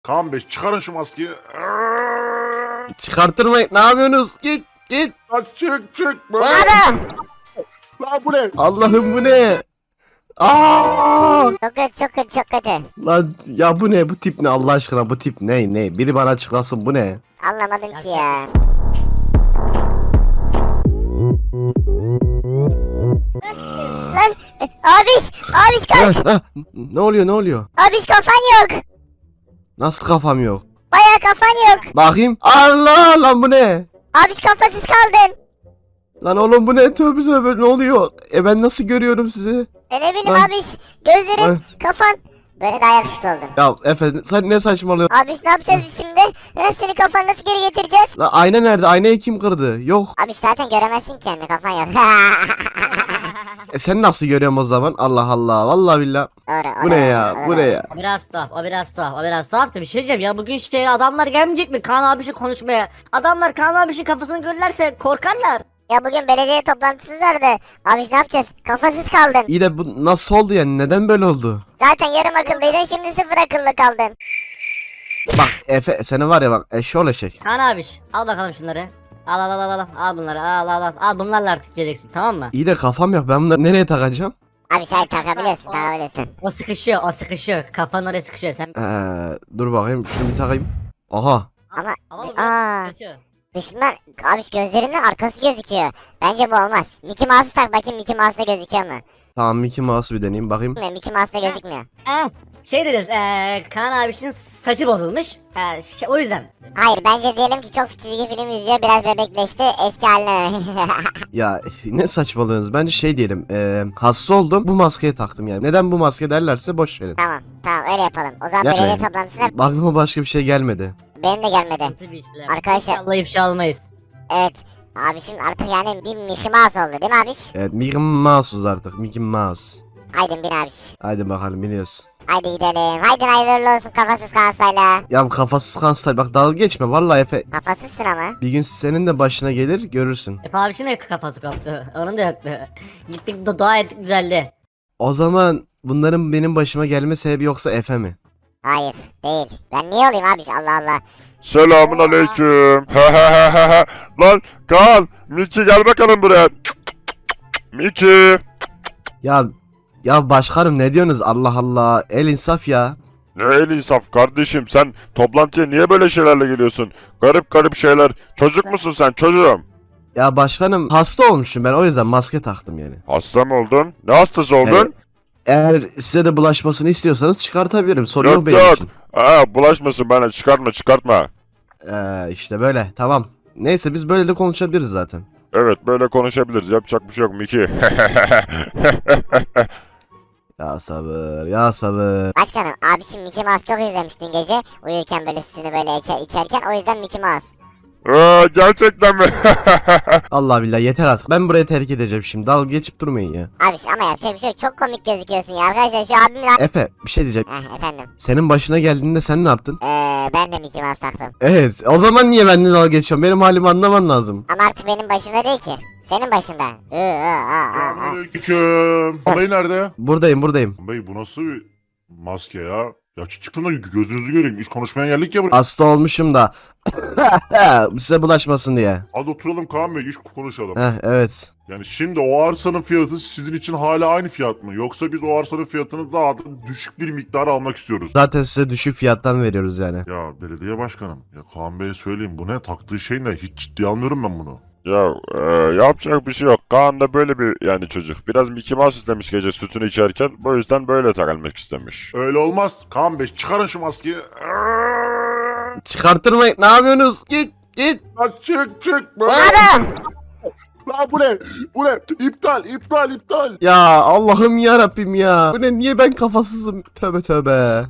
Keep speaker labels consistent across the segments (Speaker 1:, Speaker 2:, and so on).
Speaker 1: Kaan Bey çıkarın şu maskeyi.
Speaker 2: Çıkarttırmayın. Ne yapıyorsunuz? Git.
Speaker 1: Lan çık.
Speaker 3: Baba.
Speaker 1: Lan bu ne?
Speaker 2: Allah'ım bu ne? Aa!
Speaker 3: Çok kötü.
Speaker 2: Lan ya bu ne? Bu tip ne Allah aşkına? Bu tip ne? Biri bana açıklasın bu ne?
Speaker 3: Anlamadım ki ya. Lan abiş kalk.
Speaker 2: Ne oluyor?
Speaker 3: Abiş kafan yok.
Speaker 2: Nasıl kafam yok?
Speaker 3: Baya kafan yok.
Speaker 2: Bakayım. Allah lan bu ne?
Speaker 3: Abiş kafasız kaldın.
Speaker 2: Lan oğlum bu ne? Tövbe ne oluyor? Ben nasıl görüyorum sizi?
Speaker 3: Ne bileyim
Speaker 2: Ay.
Speaker 3: abiş. Gözlerin,
Speaker 2: Ay.
Speaker 3: kafan. Böyle daha yakışıklı oldun.
Speaker 2: Ya Efe sen ne saçmalıyorsun?
Speaker 3: Abiş ne yapacağız biz şimdi? Senin kafanı nasıl geri getireceğiz?
Speaker 2: Lan ayna nerede? Aynayı kim kırdı? Yok.
Speaker 3: Abiş zaten göremezsin kendi kafan yok.
Speaker 2: Sen nasıl görüyorsun o zaman? Allah Allah. Vallahi billah.
Speaker 3: Doğru.
Speaker 2: Bu ne ya? Bu ne ya?
Speaker 4: O biraz tuhaf da bir şey diyeceğim ya, bugün adamlar gelmeyecek mi Kaan abişi konuşmaya? Adamlar Kaan abişin kafasını görürlerse korkarlar.
Speaker 3: Ya bugün belediye toplantısı vardı. Abiş ne yapacağız? Kafasız kaldın.
Speaker 2: İyi de bu nasıl oldu yani? Neden böyle oldu?
Speaker 3: Zaten yarım akıllıydın, şimdi sıfır akıllı kaldın.
Speaker 2: Bak Efe seni var ya bak eşşoğlu eşek.
Speaker 4: Kaan abiş al bakalım şunları. Al bunları, al bunlarla artık geleceksin, tamam mı?
Speaker 2: İyi de kafam yok. Ben bunları nereye takacağım?
Speaker 3: Abi şey takabiliyorsun.
Speaker 4: O sıkışıyor, kafanın oraya sıkışıyor sen.
Speaker 2: Dur bakayım şunu bir takayım. Aha.
Speaker 3: Ama
Speaker 4: Ama bu biraz sıkışıyor.
Speaker 3: dışından abiş gözlerinden arkası gözüküyor. Bence bu olmaz. Mickey Mouse'u tak bakayım, Mickey Mouse'da gözüküyor mu?
Speaker 2: Tamam Mickey Mouse'u bir deneyeyim bakayım.
Speaker 3: Mickey Mouse'da gözükmüyor.
Speaker 4: Şey deriz, Kaan abişin saçı bozulmuş. O yüzden.
Speaker 3: Hayır, bence diyelim ki çok çizgi film izliyor, biraz bebekleşti, eski haline.
Speaker 2: Ya ne saçmalıyorsunuz? Bence şey diyelim. Hasta oldum bu maskeyi taktım yani. Neden bu maske derlerse boş verin.
Speaker 3: Tamam öyle yapalım. O zaman
Speaker 2: Yapmayın.
Speaker 3: belediye toplantısına
Speaker 2: Aklıma başka bir şey gelmedi.
Speaker 3: benim de gelmedi.
Speaker 4: Sıkıntı bir işler.
Speaker 3: Arkadaşlar-
Speaker 4: İnşallah ifşa olmayız.
Speaker 3: Evet. Abişim artık yani bir Mickey Mouse oldu değil mi abiş?
Speaker 2: Evet Mickey Mouse'uz artık. Mickey Mouse.
Speaker 3: Haydi bin abiş.
Speaker 2: Haydi bakalım biliyoruz.
Speaker 3: Haydi gidelim. Haydi hayırlı olsun kafasız kansayla.
Speaker 2: Ya bu kafasız kanser bak dalga geçme vallahi Efe.
Speaker 3: Kafasızsın ama.
Speaker 2: Bir gün senin de başına gelir görürsün.
Speaker 4: Efe abişin de kafası koptu. Onun da yoktu. Gittik dua ettik, düzeldi.
Speaker 2: O zaman bunların benim başıma gelme sebebi yoksa Efe mi?
Speaker 3: Hayır değil. Ben niye olayım abiş, Allah Allah.
Speaker 1: Selamun aleyküm. Lan Kaan, Miki gel bakalım buraya. Miki.
Speaker 2: Ya başkanım ne diyorsunuz Allah Allah el insaf ya.
Speaker 1: Ne el insaf kardeşim, sen toplantıya niye böyle şeylerle geliyorsun? Garip şeyler. Çocuk musun sen çocuğum?
Speaker 2: Ya başkanım hasta olmuşum ben o yüzden maske taktım yani.
Speaker 1: Hasta mı oldun? Ne hastası oldun?
Speaker 2: Evet. Eğer size de bulaşmasını istiyorsanız çıkartabilirim sorun yok
Speaker 1: Yok
Speaker 2: benim
Speaker 1: yok.
Speaker 2: için.
Speaker 1: Bulaşmasın bana, çıkartma.
Speaker 2: İşte böyle tamam. Neyse biz böyle de konuşabiliriz zaten.
Speaker 1: Evet böyle konuşabiliriz, yapacak bir şey yok Miki.
Speaker 2: Ya sabır.
Speaker 3: Başkanım abişim Mickey Mouse çok izlemiş dün gece. Uyurken böyle sütünü böyle içerken, o yüzden Mickey Mouse.
Speaker 1: Gerçekten mi?
Speaker 2: Allah billah yeter artık ben burayı terk edeceğim şimdi dalga geçip durmayın ya.
Speaker 3: Abiş ama yapacak bir şey yok. Çok komik gözüküyorsun ya. Arkadaşlar şu abimin...
Speaker 2: Efe bir şey diyeceğim.
Speaker 3: Efendim.
Speaker 2: Senin başına geldiğinde sen ne yaptın?
Speaker 3: Ben de Mickey Mouse taktım.
Speaker 2: Evet o zaman niye benden dalga geçiyorsun benim halimi anlaman lazım.
Speaker 3: Ama artık benim başımda değil ki. Senin başında.
Speaker 1: Aleyküm. Bey nerede?
Speaker 2: Buradayım.
Speaker 1: Bey bu nasıl bir maske ya? Ya çıkın da gözünüzü göreyim. İş konuşmaya geldik ya buraya.
Speaker 2: Hasta olmuşum da. Size bulaşmasın diye.
Speaker 1: Hadi oturalım Kaan Bey, iş konuşalım.
Speaker 2: Evet.
Speaker 1: Yani şimdi o arsanın fiyatı sizin için hala aynı fiyat mı? Yoksa biz o arsanın fiyatını daha da düşük bir miktar almak istiyoruz.
Speaker 2: Zaten size düşük fiyattan veriyoruz yani.
Speaker 1: Ya belediye başkanım, ya Kaan Bey'e söyleyeyim, bu ne taktığı şey ne? Hiç ciddiye almıyorum ben bunu. Ya yapacak bir şey yok. Kaan da böyle bir yani çocuk. Biraz Mickey Mouse istemiş gece sütünü içerken. Bu yüzden böyle takılmak istemiş. Öyle olmaz. Kaan Bey çıkarın şu maskeyi.
Speaker 2: Çıkarttırmayın. Ne yapıyorsunuz? Git.
Speaker 1: Lan çık.
Speaker 3: Baba!
Speaker 1: Lan bu ne? Bu ne? İptal.
Speaker 2: Ya Allah'ım ya Rabbim ya. Bu ne? Niye ben kafasızım? Tövbe.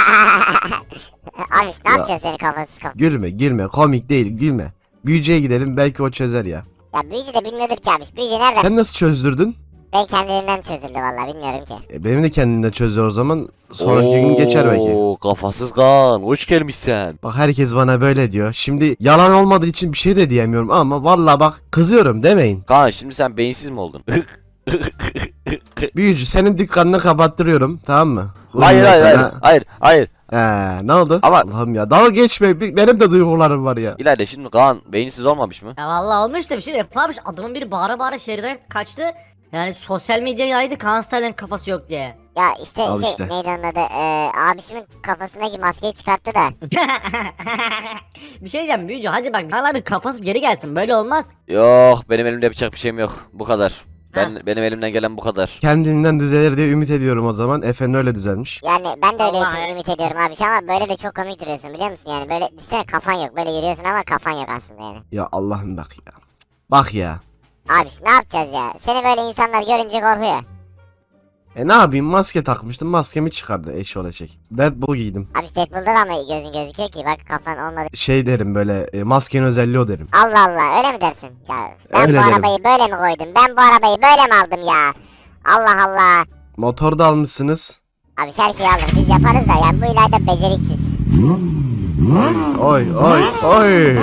Speaker 3: Abiş ne
Speaker 2: Ya.
Speaker 3: yapacaksın senin kafasız kal?
Speaker 2: Gülme. Komik değil. Gülme. Büyücüye gidelim. Belki o çözer ya.
Speaker 3: Ya büyücü de bilmiyordur ki abiş. Büyücü nereden?
Speaker 2: Sen nasıl çözdürdün?
Speaker 3: Ben kendiliğinden çözüldü vallahi, bilmiyorum ki.
Speaker 2: Benim de kendimden çözüyor o zaman. Sonraki gün geçer belki.
Speaker 5: Oo, kafasız Kaan, hoş gelmişsin.
Speaker 2: Bak herkes bana böyle diyor. Şimdi yalan olmadığı için bir şey de diyemiyorum ama vallahi bak kızıyorum demeyin.
Speaker 5: Kaan şimdi sen beyinsiz mi oldun?
Speaker 2: Büyücü senin dükkanını kapattırıyorum tamam mı?
Speaker 5: Hayır
Speaker 2: ben
Speaker 5: hayır hayır.
Speaker 2: sana-
Speaker 5: Hayır hayır.
Speaker 2: Ne oldu?
Speaker 5: Ama-
Speaker 2: Allah'ım ya dalga geçme. Benim de duygularım var ya.
Speaker 5: İleride şimdi Kaan beyinsiz olmamış mı?
Speaker 4: Ya vallahi olmuş da bir şey yapmamış. Adamın biri bağıra bağıra şehirden kaçtı. Yani sosyal medya yaydı Kaan Style'ın kafası yok diye.
Speaker 3: Ya işte
Speaker 2: Al
Speaker 3: şey
Speaker 2: işte.
Speaker 3: neydi onun adı? Abişimin kafasındaki maskeyi çıkarttı da.
Speaker 4: Bir şey diyeceğim büyücü hadi bak Kaan abi kafası geri gelsin böyle olmaz.
Speaker 5: Yok benim elimde yapacak bir şeyim yok. Bu kadar.
Speaker 4: Ha.
Speaker 5: Benim elimden gelen bu kadar.
Speaker 2: Kendinden düzelir diye ümit ediyorum o zaman. Efendim öyle düzelmiş.
Speaker 3: Yani ben de öyle
Speaker 4: Allah
Speaker 3: için
Speaker 4: ya.
Speaker 3: ümit ediyorum abi ama böyle de çok komik duruyorsun biliyor musun? Yani böyle düşünsene kafan yok böyle yürüyorsun ama kafan yok aslında yani.
Speaker 2: Ya Allah'ım bak ya. Bak ya.
Speaker 3: Abi ne yapacağız ya? Seni böyle insanlar görünce korkuyor.
Speaker 2: Ne yapayım maske takmıştım maskemi çıkardı eş olacak. Deadpool giydim.
Speaker 3: Abi işte Deadpool'da da mı gözün gözüküyor ki? Bak kafan olmadı.
Speaker 2: Şey derim böyle maskenin özelliği o derim.
Speaker 3: Allah Allah öyle mi dersin? Ya ben
Speaker 2: Öyle
Speaker 3: bu
Speaker 2: derim.
Speaker 3: arabayı böyle mi koydum? Ben bu arabayı böyle mi aldım ya? Allah Allah.
Speaker 2: Motor da almışsınız.
Speaker 3: Abi her şeyi aldık biz yaparız da yani bu ileride beceriksiz.
Speaker 2: Oy oy oy.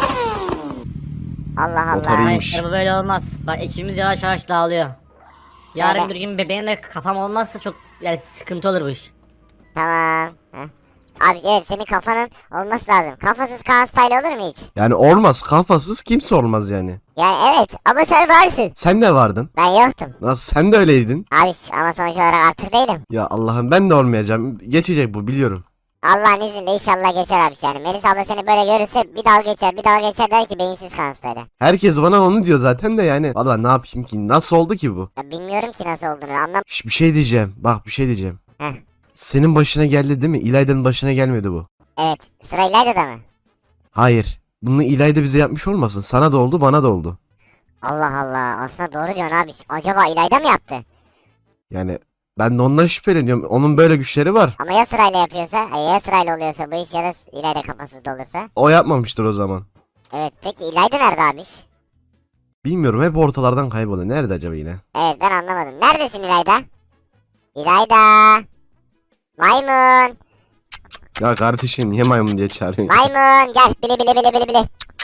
Speaker 3: Allah
Speaker 2: Motor
Speaker 3: Allah.
Speaker 2: iyi.
Speaker 4: Hayır
Speaker 2: İyiymiş.
Speaker 4: işte bu böyle olmaz. Bak ekibimiz yavaş yavaş dağılıyor. Yarın
Speaker 3: Öyle.
Speaker 4: bir gün bebeğim de kafam olmazsa çok yani sıkıntı olur bu iş.
Speaker 3: Tamam. Heh. Abi evet senin kafanın olması lazım. Kafasız Kaan Style olur mu hiç?
Speaker 2: Yani olmaz kafasız kimse olmaz yani.
Speaker 3: Yani evet ama sen varsın.
Speaker 2: Sen de vardın.
Speaker 3: Ben yoktum.
Speaker 2: Nasıl sen de öyleydin.
Speaker 3: Abi ama sonuç olarak artık değilim.
Speaker 2: Ya Allah'ım ben de olmayacağım. Geçecek bu biliyorum.
Speaker 3: Allah'ın izniyle inşallah geçer abi yani. Melis abla seni böyle görürse bir dalga geçer bir dalga geçer der ki beyinsiz Kaan Style.
Speaker 2: Herkes bana onu diyor zaten de yani. Valla ne yapayım ki? Nasıl oldu ki bu?
Speaker 3: Ya bilmiyorum ki nasıl olduğunu anlam.
Speaker 2: Bir şey diyeceğim. Bak bir şey diyeceğim.
Speaker 3: Heh.
Speaker 2: Senin başına geldi değil mi? İlayda'nın başına gelmedi bu.
Speaker 3: Evet sıra İlayda'da mı?
Speaker 2: Hayır. Bunu İlayda bize yapmış olmasın. Sana da oldu bana da oldu.
Speaker 3: Allah Allah aslında doğru diyorsun abi. Acaba İlayda mı yaptı?
Speaker 2: Yani ben de ondan şüpheleniyorum. Onun böyle güçleri var.
Speaker 3: Ama ya sırayla yapıyorsa, ya sırayla oluyorsa bu iş ya da İlayda kafasız da olursa.
Speaker 2: O yapmamıştır o zaman.
Speaker 3: Evet peki İlayda nerede abi?
Speaker 2: Bilmiyorum hep ortalardan kayboluyor. Nerede acaba yine?
Speaker 3: Evet ben anlamadım. Neredesin İlayda? İlayda. Maymun.
Speaker 2: Ya kardeşim niye maymun diye çağırıyorsun?
Speaker 3: Maymun gel bili bili bili bili bili.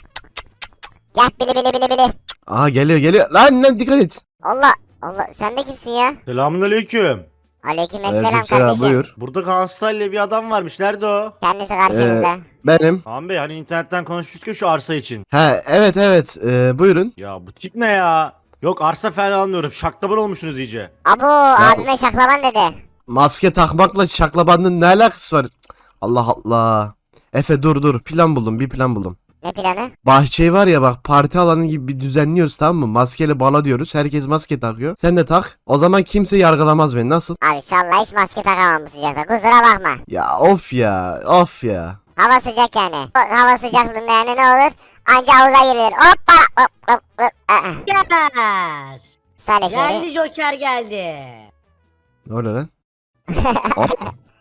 Speaker 3: Gel bili bili bili bili.
Speaker 2: Aha geliyor geliyor. Lan dikkat et.
Speaker 3: Allah Allah sen de kimsin ya?
Speaker 6: Selamünaleyküm.
Speaker 3: Aleykümselam
Speaker 2: Aleykümselam,
Speaker 3: kardeşim.
Speaker 2: buyur.
Speaker 6: Burada Galatasaraylı bir adam varmış. Nerede o?
Speaker 3: Kendisi karşınızda.
Speaker 2: Benim.
Speaker 6: Kaan Bey hani internetten konuşmuştuk ya şu arsa için.
Speaker 2: He evet evet. Buyurun.
Speaker 6: Ya bu tip ne ya? Yok arsa falan almıyorum. Şaklaban olmuşsunuz iyice.
Speaker 3: Abo abime şaklaban dedi.
Speaker 2: Maske takmakla şaklabanın ne alakası var? Cık, Allah Allah. Efe dur plan buldum bir plan buldum.
Speaker 3: Ne planı?
Speaker 2: Bahçeyi var ya bak parti alanı gibi bir düzenliyoruz tamam mı? Maskeli bala diyoruz. Herkes maske takıyor. Sen de tak. O zaman kimse yargılamaz beni. Nasıl?
Speaker 3: Abi inşallah hiç maske takamam bu sıcakta kusura bakma.
Speaker 2: Ya of ya. Of ya.
Speaker 3: Hava sıcak yani. Hava sıcaklığında yani ne olur? Anca havuza girilir. Hoppa hop hop hop.
Speaker 4: Joker!
Speaker 3: Sale şehri.
Speaker 4: Geldi Joker geldi.
Speaker 2: Ne oluyor lan? Hop.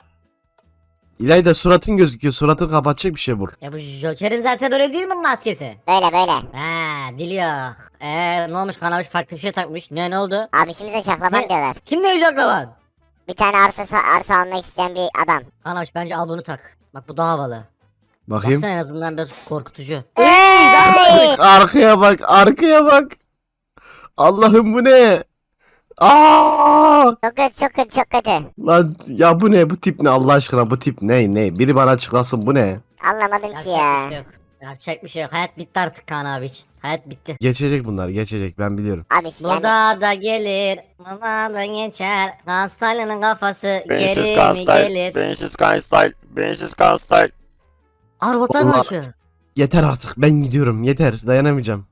Speaker 2: İlayda suratın gözüküyor. Suratını kapatacak bir şey bul.
Speaker 4: Ya bu Joker'in zaten böyle değil mi maskesi?
Speaker 3: Böyle böyle.
Speaker 4: Ha diliyor. Ne olmuş kanamış farklı bir şey takmış. Ne oldu?
Speaker 3: Abi şimdi şaklaban
Speaker 4: Ne?
Speaker 3: diyorlar.
Speaker 4: Kim ne olacak lan?
Speaker 3: Bir tane arsa almak isteyen bir adam.
Speaker 4: Kanamış bence al bunu tak. Bak bu daha havalı.
Speaker 2: Bakayım.
Speaker 4: Baksana en azından biraz korkutucu.
Speaker 3: Ey!
Speaker 2: Arkaya bak. Arkaya bak. Allah'ım bu ne? Aa!
Speaker 3: Çok kötü çok kötü çok kötü.
Speaker 2: Lan ya bu ne? Bu tip ne Allah aşkına? Bu tip ne? Biri bana açıklasın bu ne?
Speaker 3: Anlamadım ki
Speaker 4: Yapacak bir
Speaker 3: ya.
Speaker 4: şey yok. Yapacak bir şey yok. Hayat bitti artık Kaan abi için. Hayat bitti.
Speaker 2: Geçecek bunlar geçecek ben biliyorum.
Speaker 3: Abi
Speaker 4: Bu
Speaker 3: yani
Speaker 4: da gelir, buna da geçer. Hastanenin kafası
Speaker 5: Beyinsiz
Speaker 4: geri
Speaker 5: Kaan
Speaker 4: mi
Speaker 5: Style.
Speaker 4: gelir?
Speaker 5: Beyinsiz Kaan Style. Beyinsiz Kaan Style.
Speaker 4: Aa robotlar
Speaker 2: Vallahi-
Speaker 4: konuşuyor.
Speaker 2: Yeter artık ben gidiyorum yeter dayanamayacağım.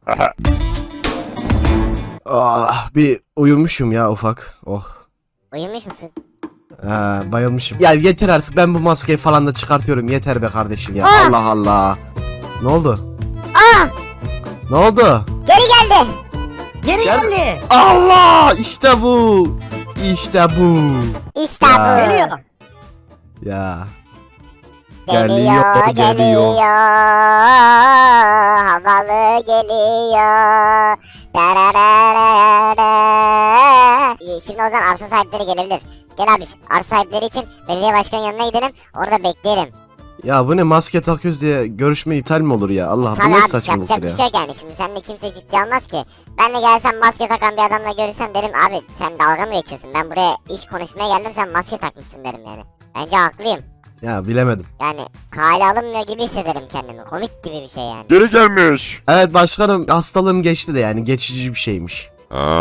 Speaker 2: Bir uyumuşum ya ufak. Oh.
Speaker 3: uyumuş musun?
Speaker 2: Bayılmışım. Ya yeter artık ben bu maskeyi falan da çıkartıyorum yeter be kardeşim ya.
Speaker 3: Aa!
Speaker 2: Allah Allah. Ne oldu?
Speaker 3: Aa!
Speaker 2: Ne oldu?
Speaker 3: Geri geldi.
Speaker 4: Geri
Speaker 2: Gel-
Speaker 4: geldi.
Speaker 2: Allah işte bu. İşte bu.
Speaker 3: İşte
Speaker 2: Ya.
Speaker 3: bu.
Speaker 4: Geliyor.
Speaker 2: Ya.
Speaker 3: Geliyor,
Speaker 2: Geliyor,
Speaker 3: geliyor. Havalı geliyor. Darararara. Şimdi o zaman arsa sahipleri gelebilir. Gel abi arsa sahipleri için belediye başkanının yanına gidelim. Orada bekleyelim.
Speaker 2: Ya bu ne maske takıyoruz diye görüşme iptal mi olur ya? Allah bu
Speaker 3: Tabii
Speaker 2: ne
Speaker 3: abi
Speaker 2: saçmalık
Speaker 3: yapacak bir
Speaker 2: ya.
Speaker 3: şey yok yani. Şimdi seninle kimse ciddiye almaz ki. Ben de gelsem maske takan bir adamla görürsem derim abi sen dalga mı geçiyorsun? Ben buraya iş konuşmaya geldim sen maske takmışsın derim yani. Bence haklıyım.
Speaker 2: Ya bilemedim.
Speaker 3: Yani kale alınmıyor gibi hissederim kendimi. Komik gibi bir şey yani.
Speaker 1: Geri gelmiş.
Speaker 2: Evet başkanım, hastalığım geçti de yani geçici bir şeymiş.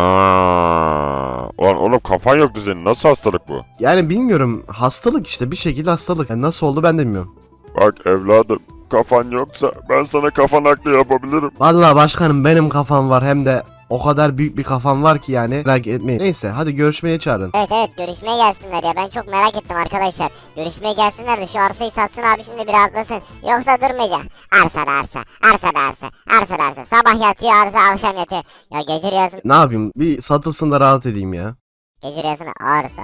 Speaker 1: Ulan oğlum kafan yoktu senin. Nasıl hastalık bu?
Speaker 2: Yani bilmiyorum, hastalık işte, bir şekilde hastalık. Yani nasıl oldu ben de bilmiyorum.
Speaker 1: Bak evladım, kafan yoksa ben sana kafan aklı yapabilirim.
Speaker 2: Vallahi başkanım, benim kafam var, hem de o kadar büyük bir kafam var ki yani, merak etmeyin. Neyse hadi görüşmeye çağırın.
Speaker 3: Evet evet, görüşmeye gelsinler ya. Ben çok merak ettim arkadaşlar. Görüşmeye gelsinler de şu arsayı satsın abi, şimdi bir rahatlasın. Yoksa durmayacak. Arsa da arsa. Arsa da arsa. Arsa da arsa. Sabah yatıyor arsa, akşam yatıyor. Ya gece rüyasında.
Speaker 2: Ne yapayım, bir satılsın da rahat edeyim ya.
Speaker 3: Gece rüyasında arsa.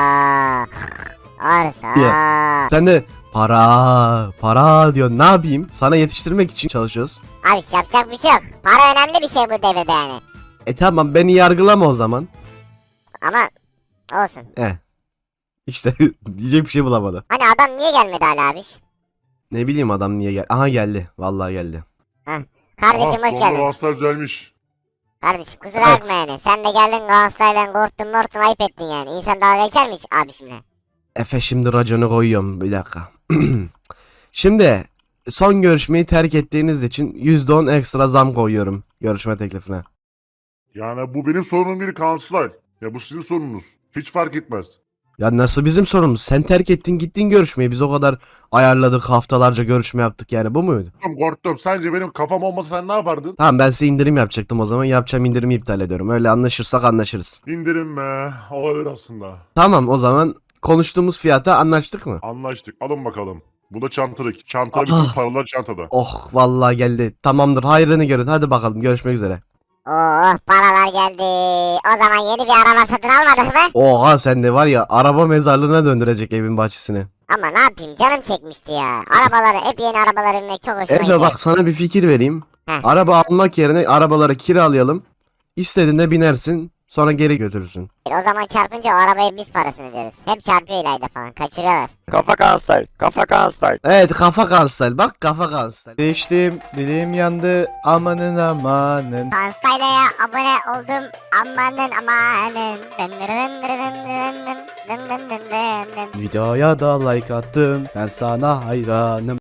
Speaker 3: Arsa.
Speaker 2: Sen de para diyor, ne yapayım, sana yetiştirmek için çalışıyoruz.
Speaker 3: Abi yapacak bir şey yok. Para önemli bir şey bu devirde yani.
Speaker 2: Tamam, beni yargılama o zaman.
Speaker 3: Ama olsun.
Speaker 2: İşte diyecek bir şey bulamadı.
Speaker 3: Hani adam niye gelmedi hala abi?
Speaker 2: Ne bileyim adam niye gel. Aha geldi. Vallahi geldi.
Speaker 3: Kardeşim hoş geldin.
Speaker 1: Galatasaray düzelmiş.
Speaker 3: Kardeşim kusura
Speaker 2: Evet.
Speaker 3: bakma yani. Sen de geldin Galatasaray'dan korktun ayıp ettin yani. İnsan dalga geçer mi hiç abi şimdi?
Speaker 2: Efe şimdi raconu koyuyorum, bir dakika. Şimdi son görüşmeyi terk ettiğiniz için %10 ekstra zam koyuyorum görüşme teklifine.
Speaker 1: Yani bu benim sorunum değil Kanslay. Ya bu sizin sorununuz. Hiç fark etmez.
Speaker 2: Ya nasıl bizim sorunumuz? Sen terk ettin gittin görüşmeyi. Biz o kadar ayarladık, haftalarca görüşme yaptık, yani bu muydu?
Speaker 1: Korktum. Sence benim kafam olmasa sen ne yapardın?
Speaker 2: Tamam, ben size indirim yapacaktım o zaman. Yapacağım indirimi iptal ediyorum. Öyle anlaşırsak anlaşırız.
Speaker 1: İndirim be. Olabilir aslında.
Speaker 2: Tamam, o zaman konuştuğumuz fiyata anlaştık mı?
Speaker 1: Anlaştık. Alın bakalım. Bu da çantalık. Çantada
Speaker 2: Ah.
Speaker 1: bütün paralar çantada.
Speaker 2: Oh vallahi geldi. Tamamdır, hayrını görün. Hadi bakalım, görüşmek üzere.
Speaker 3: Oh paralar geldi. O zaman yeni bir araba satın almadık mı?
Speaker 2: Oha, sen de var ya, araba mezarlığına döndürecek evin bahçesini.
Speaker 3: Ama ne yapayım, canım çekmişti ya. Arabaları, hep yeni arabalara binmek çok hoşuma
Speaker 2: Efe
Speaker 3: gidiyor.
Speaker 2: bak, sana bir fikir vereyim.
Speaker 3: Heh.
Speaker 2: Araba almak yerine arabaları kiralayalım. İstediğinde binersin, sonra geri götürürsün.
Speaker 3: O zaman çarpınca o arabaya biz parasını ödüyoruz. Hep çarpıyor ileride falan, kaçırıyorlar.
Speaker 5: Kafa Kanstay. Kafa Kanstay.
Speaker 2: Evet, kafa kansel. Bak, kafa kansel.
Speaker 7: Geçtim, dilim yandı, amanın amanın.
Speaker 3: Kanstayla abone oldum, amanın amanın. Dın dın dın dın dın dın dın dın dın dın dın.
Speaker 7: Videoya da like attım, ben sana hayranım.